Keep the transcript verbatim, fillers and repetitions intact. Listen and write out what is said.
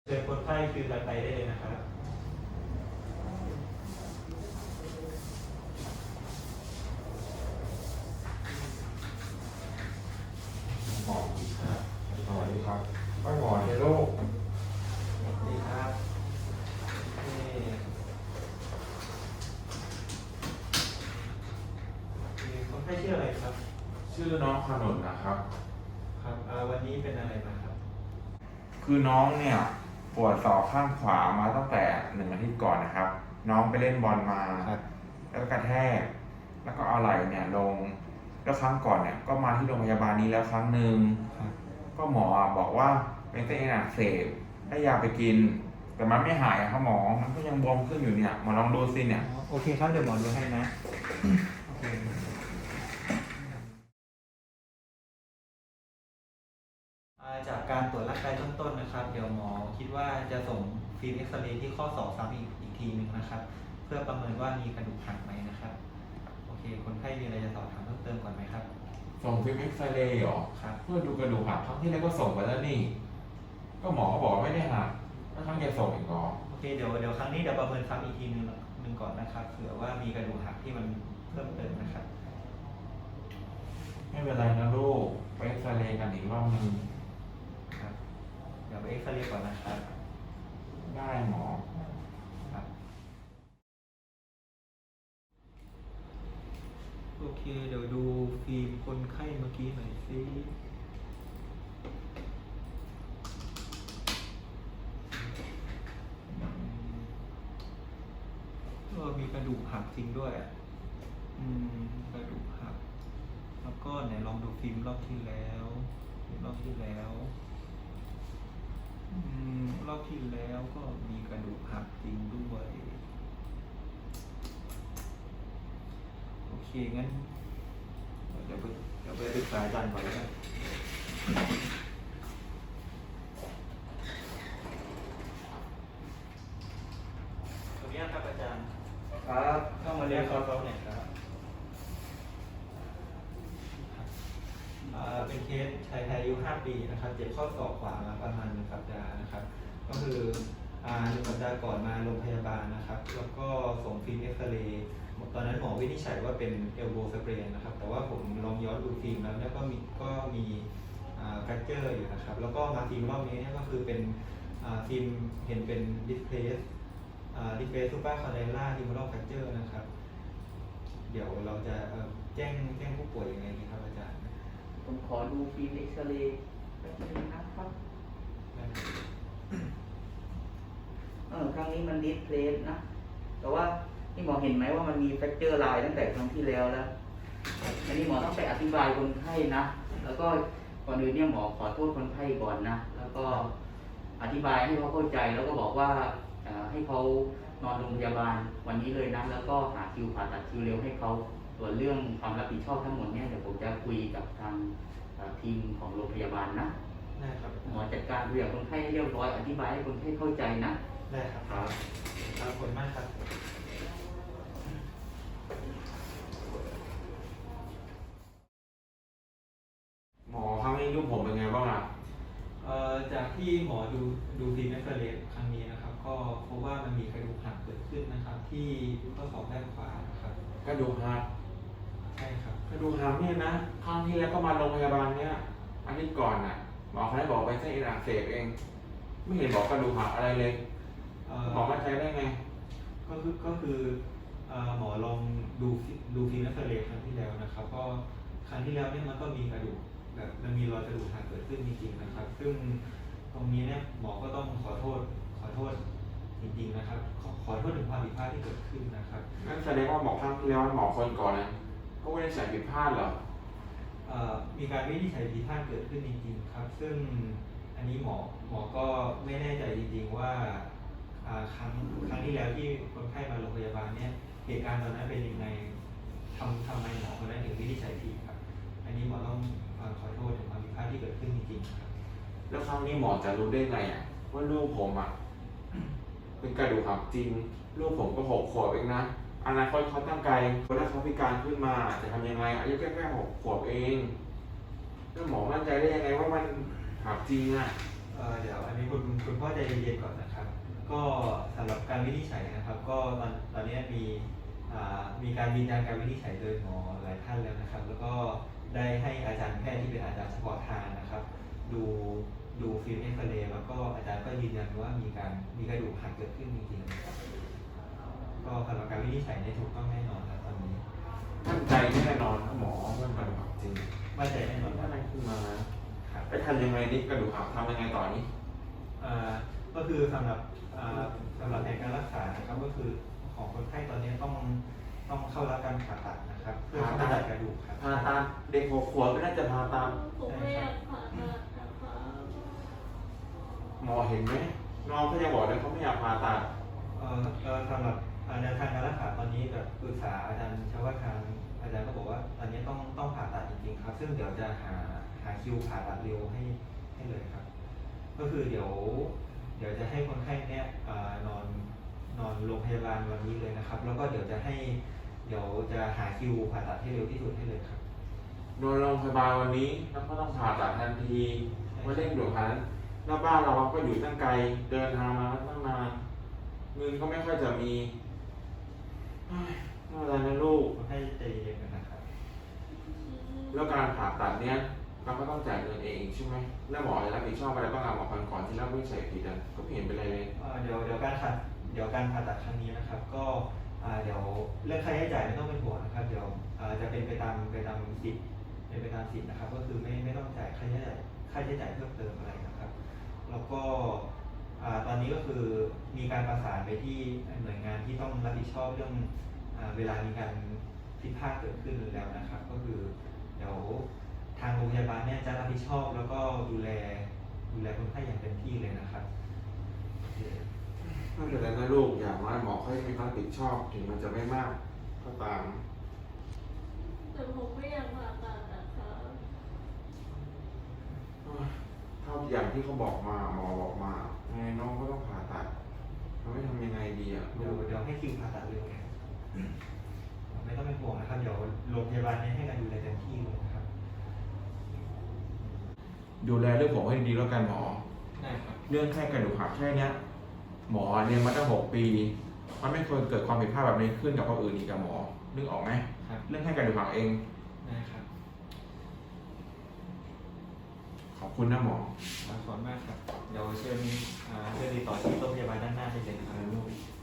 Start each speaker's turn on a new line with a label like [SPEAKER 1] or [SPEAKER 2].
[SPEAKER 1] เชิญคนไข้คือกันไปได้เลยนะครับ
[SPEAKER 2] หมอครับสวัสดีครับป้าหมอในโรค
[SPEAKER 1] ดีครับนี่มีคนไข้ชื่ออะไรครับ
[SPEAKER 2] ชื่อน้องขนุนนะครับ
[SPEAKER 1] ครับอ่าวันนี้เป็นอะไรมาครับ
[SPEAKER 2] คือน้องเนี่ยปวดศอกข้างขวามาตั้งแต่หนึ่งอาทิตย์ก่อนนะครับ น้องไปเล่นบอลมา
[SPEAKER 1] ครับ
[SPEAKER 2] แล้วก็กระแทก แล้วก็เอาไหล่เนี่ยลง แล้วครั้งก่อนเนี่ยก็มาที่โรงพยาบาลนี้แล้วครั้งหนึ่ง
[SPEAKER 1] ครับ
[SPEAKER 2] ก็หมอบอกว่าเป็นเส้นเอ็นอักเสบได้ยาไปกิน แต่มันไม่หายอะครับหมอ มันก็ยังบวมขึ้นอยู่เนี่ยหมอลองดูสิเนี่ย
[SPEAKER 1] โอเคครับเดี๋ยวหมอดูให้นะโอเคอ่าจากการตรวจร่างกายเบื้องต้นนะครับ เดี๋ยวหมอคิดว่าจะส่งฟิล์มเอ็กซเรย์ที่ข้อศอกซ้ำอีกอีกทีหนึ่งนะครับ เพื่อประเมินว่ามีกระดูกหักไหมนะครับโอเคคนไข้มีอะไรจะสอบถามเพิ่มเติมก่อนไหมครับ
[SPEAKER 2] ส่งฟิล์มเอ็กซเรย์เหรอ
[SPEAKER 1] ครับ
[SPEAKER 2] เพื่อดูกระดูกหักครั้งที่แล้วก็ส่งไปแล้วนี่ ก็หมอก็บอกว่าไม่ได้หักแล้วครั้งจะส่งอีกเหรอ
[SPEAKER 1] โอเคเดี๋ยวเดี๋ยวครั้งนี้เดี๋ยวประเมินซ้ำอีกทีหนึงหนึ่งก่อนนะครับเผื่อว่ามีกระดูกหักที่มันเพิ่มเติมนะครับ
[SPEAKER 2] ไม่เป็นไรนะลูกไปเอ็กซเรย์กันอีกรอบนึง
[SPEAKER 1] ครับเดี๋ยวไปเอ็กซเรย์ก่อนนะครับ
[SPEAKER 2] ได้หมอ
[SPEAKER 1] ครับโอเคเดี๋ยวดูฟิล์มคนไข้เมื่อกี้หน่อยสิเออมีกระดูกหักจริงด้วยอ่ะอืมกระดูกหักแล้วก็ไหนลองดูฟิล์มรอบที่แล้วฟิล์มรอบที่แล้วอืมรอบที่แล้วก็มีกระดูกหักจริงด้วยโอเคงั้นเดี๋ยวไปเดี๋ยวไปปรึกษาอาจารย์ก่อนแล้วกันขออนุญาตครับอาจารย์
[SPEAKER 3] ครับ
[SPEAKER 1] เข้ามาเรียนคอร์สเขาหน่อยครับอ่าเป็นเคสชายไทยอายุห้าปีนะครับ เจ็บข้อศอกขวามาประมาณหนึ่งสัปดาห์นะครับ ก็คืออ่าหนึ่งสัปดาห์ก่อนมาโรงพยาบาลนะครับ แล้วก็ส่งฟิล์มเอ็กซเรย์ตอนนั้นหมอวินิจฉัยว่าเป็นเอลโบสเปรนนะครับ แต่ว่าผมลองย้อนดูฟิล์มแล้วเนี่ยก็มีก็มีแฟรคเจอร์อยู่นะครับ แล้วก็มาฟิล์มรอบนี้เนี่ยก็คือเป็นอ่าฟิล์มเห็นเป็นดิสเพลสดิสเพลสซูเปอร์คอนเดล่าทิมอรัลแฟรคเจอร์นะครับ เดี๋ยวเราจะเอ่อแจ้งแจ้งผู้ป่วยยังไงดีครับอาจารย์
[SPEAKER 3] ผมขอดูฟิล์มเอ็กซเรย์แป๊บนึงนะครับเออครั้งนี้มันดิสเพลสนะ แต่ว่าที่หมอเห็นไหมว่ามันมีแฟกเจอร์ไลน์ตั้งแต่ครั้งที่แล้วแล้ว อันนี้หมอต้องไปอธิบายคนไข้นะ แล้วก็ก่อนอื่นเนี่ยหมอขอโทษคนไข้ก่อนนะ แล้วก็อธิบายให้เขาเข้าใจ แล้วก็บอกว่าเอ่อให้เขานอนโรงพยาบาลวันนี้เลยนะ แล้วก็หาคิวผ่าตัดคิวเร็วให้เขา ส่วนเรื่องความรับผิดชอบทั้งหมดเนี่ยเดี๋ยวผมจะคุยกับทางเอ่อทีมของโรงพยาบาลนะ
[SPEAKER 1] ได้ครับ
[SPEAKER 3] หมอจัดการคุยกับคนไข้ให้เรียบร้อย อธิบายให้คนไข้เข้าใจนะ
[SPEAKER 1] ได้ครับครับขอบคุณมากครับ
[SPEAKER 2] หมอครั้งนี้ลูกผมเป็นไงบ้างอ่ะ
[SPEAKER 1] เอ่อจากที่หมอดูดูฟิล์มเอ็กซเรย์ครั้งนี้นะครับ ก็พบว่ามันมีกระดูกหักเกิดขึ้นนะครับ ที่ข้อศอกด้านขวานะครับ
[SPEAKER 2] กระดูกหัก
[SPEAKER 1] ใช่ครับ
[SPEAKER 2] กระดูกหักเนี่ยนะครั้งที่แล้วก็มาโรงพยาบาลเนี่ยอาทิตย์ก่อนอ่ะหมอเขาได้บอกไปเส้นเอ็นอักเสบเอง ไม่เห็นบอกกระดูกหักอะไรเลย
[SPEAKER 1] เอ่
[SPEAKER 2] หมอมั่นใจได้ไง
[SPEAKER 1] ก็คือก็คือเอ่อหมอลองดูฟิดูฟิล์มเอ็กซเรย์ครั้งที่แล้วนะครับ ก็ครั้งที่แล้วเนี่ยมันก็มีกระดูกแบบมันมีรอยกระดูกหักเกิดขึ้นจริงๆนะครับ ซึ่งตรงนี้เนี่ยหมอก็ต้องขอโทษขอโทษจริงๆนะครับ ขอขอโทษถึงความผิดพลาดที่เกิดขึ้นนะครับ
[SPEAKER 2] นั่นแสดงว่าหมอครั้งที่แล้วหมอคนก่อนนะก็ไม่ได้ใส่ผิดพลาดเหรอ
[SPEAKER 1] เอ่อมีการวินิจฉัยผิดพลาดเกิดขึ้นจริงๆครับ ซึ่งอันนี้หมอหมอก็ไม่แน่ใจจริงๆว่าอ่าครั้งครั้งที่แล้วที่คนไข้มาโรงพยาบาลเนี่ยเหตุการณ์ตอนนั้นเป็นยังไงทำทำไมหมอคนนั้นถึงวินิจฉัยผิดครับ อันนี้หมอต้องเอ่อขอโทษถึงความผิดพลาดที่เกิดขึ้นจริงๆครับ
[SPEAKER 2] แล้วครั้งนี้หมอจะรู้ได้ไงอ่ะว่าลูกผมอ่ะเป็นกระดูกหักจริง ลูกผมก็หกขวบเองนะอนาคตเขาตั้งไกลถ้าเขาพิการขึ้นมาจะทำยังไงอายุแค่แค่หกขวบเองแล้วหมอมั่นใจได้ยังไงว่ามันหักจริงอ่ะ
[SPEAKER 1] อเอ่อเดี๋ยวอันนี้คุณคุณพ่อใจเย็นๆก่อนนะครับ ก็สำหรับการวินิจฉัยนะครับ ก็ตอนตอนนี้มีอ่ามีการยืนยันการวินิจฉัยโดยหมอหลายท่านแล้วนะครับ แล้วก็ได้ให้อาจารย์แพทย์ที่เป็นอาจารย์เฉพาะทางนะครับ ดูดูฟิล์มเอ็กซเรย์แล้วก็อาจารย์ก็ยืนยันว่ามีการมีกระดูกหักเกิดขึ้นจริงๆก็สำหรับการวินิจฉัยเนี่ยถูกต้องแน่นอนครับตอนนี้
[SPEAKER 2] มั่นใจแน่นอนนะหมอว่ากระดูกหักจริง
[SPEAKER 1] มั่นใจแน่นอน
[SPEAKER 2] ถ้า
[SPEAKER 1] ว่า
[SPEAKER 2] อะไรขึ้นมา
[SPEAKER 1] ครับ
[SPEAKER 2] ไปทำยังไงนี่กระดูกหักทำยังไงต่อนี้
[SPEAKER 1] อ่าก็คือสำหรับอ่าสำหรับในการรักษานะครับก็คือของคนไข้ตอนนี้ต้องต้องเข้ารับการผ่าตัดนะครับเพื่อ
[SPEAKER 2] ผ่า
[SPEAKER 1] ผ่า
[SPEAKER 2] ตั
[SPEAKER 1] ตั
[SPEAKER 2] ด
[SPEAKER 1] ดกระดูกครับ
[SPEAKER 2] พาตามเด็กหกขวบก็น่าจะพาตาม
[SPEAKER 4] ผมไม่อยากผ่าตัดนะคะ
[SPEAKER 2] หมอเห็นไหมน้องเขายังบอกเลยเขาไม่อยากพาตัด
[SPEAKER 1] เอ่อเอ่อสำหรับอ่าแนวทางการรักษาตอนนี้แบบปรึกษาอาจารย์ชาวทางอาจารย์ก็บอกว่าตอนนี้ต้องต้องผ่าตัดจริงๆครับ ซึ่งเดี๋ยวจะหาหาคิวผ่าตัดเร็วให้ให้เลยครับ ก็คือเดี๋ยว เดี๋ยวจะให้คนไข้เนี่ยเอ่อนอนนอนโรงพยาบาลวันนี้เลยนะครับ แล้วก็เดี๋ยวจะให้เดี๋ยวจะหาคิวผ่าตัดให้เร็วที่สุดให้เลยครับ
[SPEAKER 2] นอนโรงพยาบาลวันนี้แล้วก็ต้องผ่าตัดทันทีไม่เร่งด่วนขนาดนั้นแล้วบ้านเราก็อยู่ตั้งไกลเดินทางมาตั้งนานเงินก็ไม่ค่อยจะมีเฮ้ยไม่เป็นไรนะลูก
[SPEAKER 1] คนไข้ใจเย็นๆกันนะครับ
[SPEAKER 2] แล้วการผ่าตัดเนี้ยเราก็ต้องจ่ายเงินเองใช่ไหมแล้วหมอจะรับผิดชอบอะไรบ้างอะหมอคนก่อนที่เราไม่ใส่ผิดอ่ะก็ไม่เห็นเป็นไรเลย
[SPEAKER 1] เอ่อเดี๋ยวเดี๋ยวการผ่าเดี๋ยวการผ่าตัดครั้งนี้นะครับ ก็อ่าเดี๋ยวเรื่องค่าใช้จ่ายไม่ต้องเป็นห่วงนะครับ เดี๋ยวอ่าจะเป็นไปตามไปตามสิทธิ์เป็นไปตามสิทธิ์นะครับ ก็คือไม่ไม่ต้องจ่ายค่าใช้จ่ายค่าใช้จ่ายเพิ่มเติมอะไรนะครับ แล้วก็อ่าตอนนี้ก็คือมีการประสานไปที่หน่วยงานที่ต้องรับผิดชอบเรื่องอ่าเวลามีการผิดพลาดเกิดขึ้นแล้วนะครับ ก็คือเดี๋ยวทางโรงพยาบาลเนี่ยจะรับผิดชอบ แล้วก็ดูแลดูแลคนไข้อย่างเต็มที่เลยนะครับโอเค
[SPEAKER 2] ไม่เป็นไรนะลูกอย่างว่าหมอเขาจะมีความรับผิดชอบถึงมันจะไม่มากก็ตาม
[SPEAKER 4] แต่ผมไม่อยากผ่าตัดนะคะ
[SPEAKER 2] เท่าอย่างที่เขาบอกมาหมอบอกมาไงน้องก็ต้องผ่าตัดเราไม่ทำยังไงดีอ่ะ
[SPEAKER 1] เดี๋ยวเดี๋ยวให้คิวผ่าตัดเร็วไงไม่ต้องเป็นห่วงนะครับ เดี๋ยวโรงพยาบาลเนี่ยให้การดูแลเต็มที่เลยนะครับ
[SPEAKER 2] ดูแลเรื่องผมให้ดีแล้วกันหมอ
[SPEAKER 1] ได้ครับ
[SPEAKER 2] เรื่องแค่กระดูกหักแค่เนี้ยหมอเนี่ยมาตั้งหกปี มันไม่ควรเกิดความผิดพลาดแบบนี้ขึ้นกับคนอื่นอีกกับหมอนึกออกไหม
[SPEAKER 1] ครับ
[SPEAKER 2] เรื่องแค่กระดูกหักเอง
[SPEAKER 1] ได้ครับ
[SPEAKER 2] ขอบคุณนะหมอ
[SPEAKER 1] ขอบคุณมากครับ เดี๋ยวเชิญอ่าเชิญติดต่อที่โรงพยาบาลด้านหน้าได้เลยครับ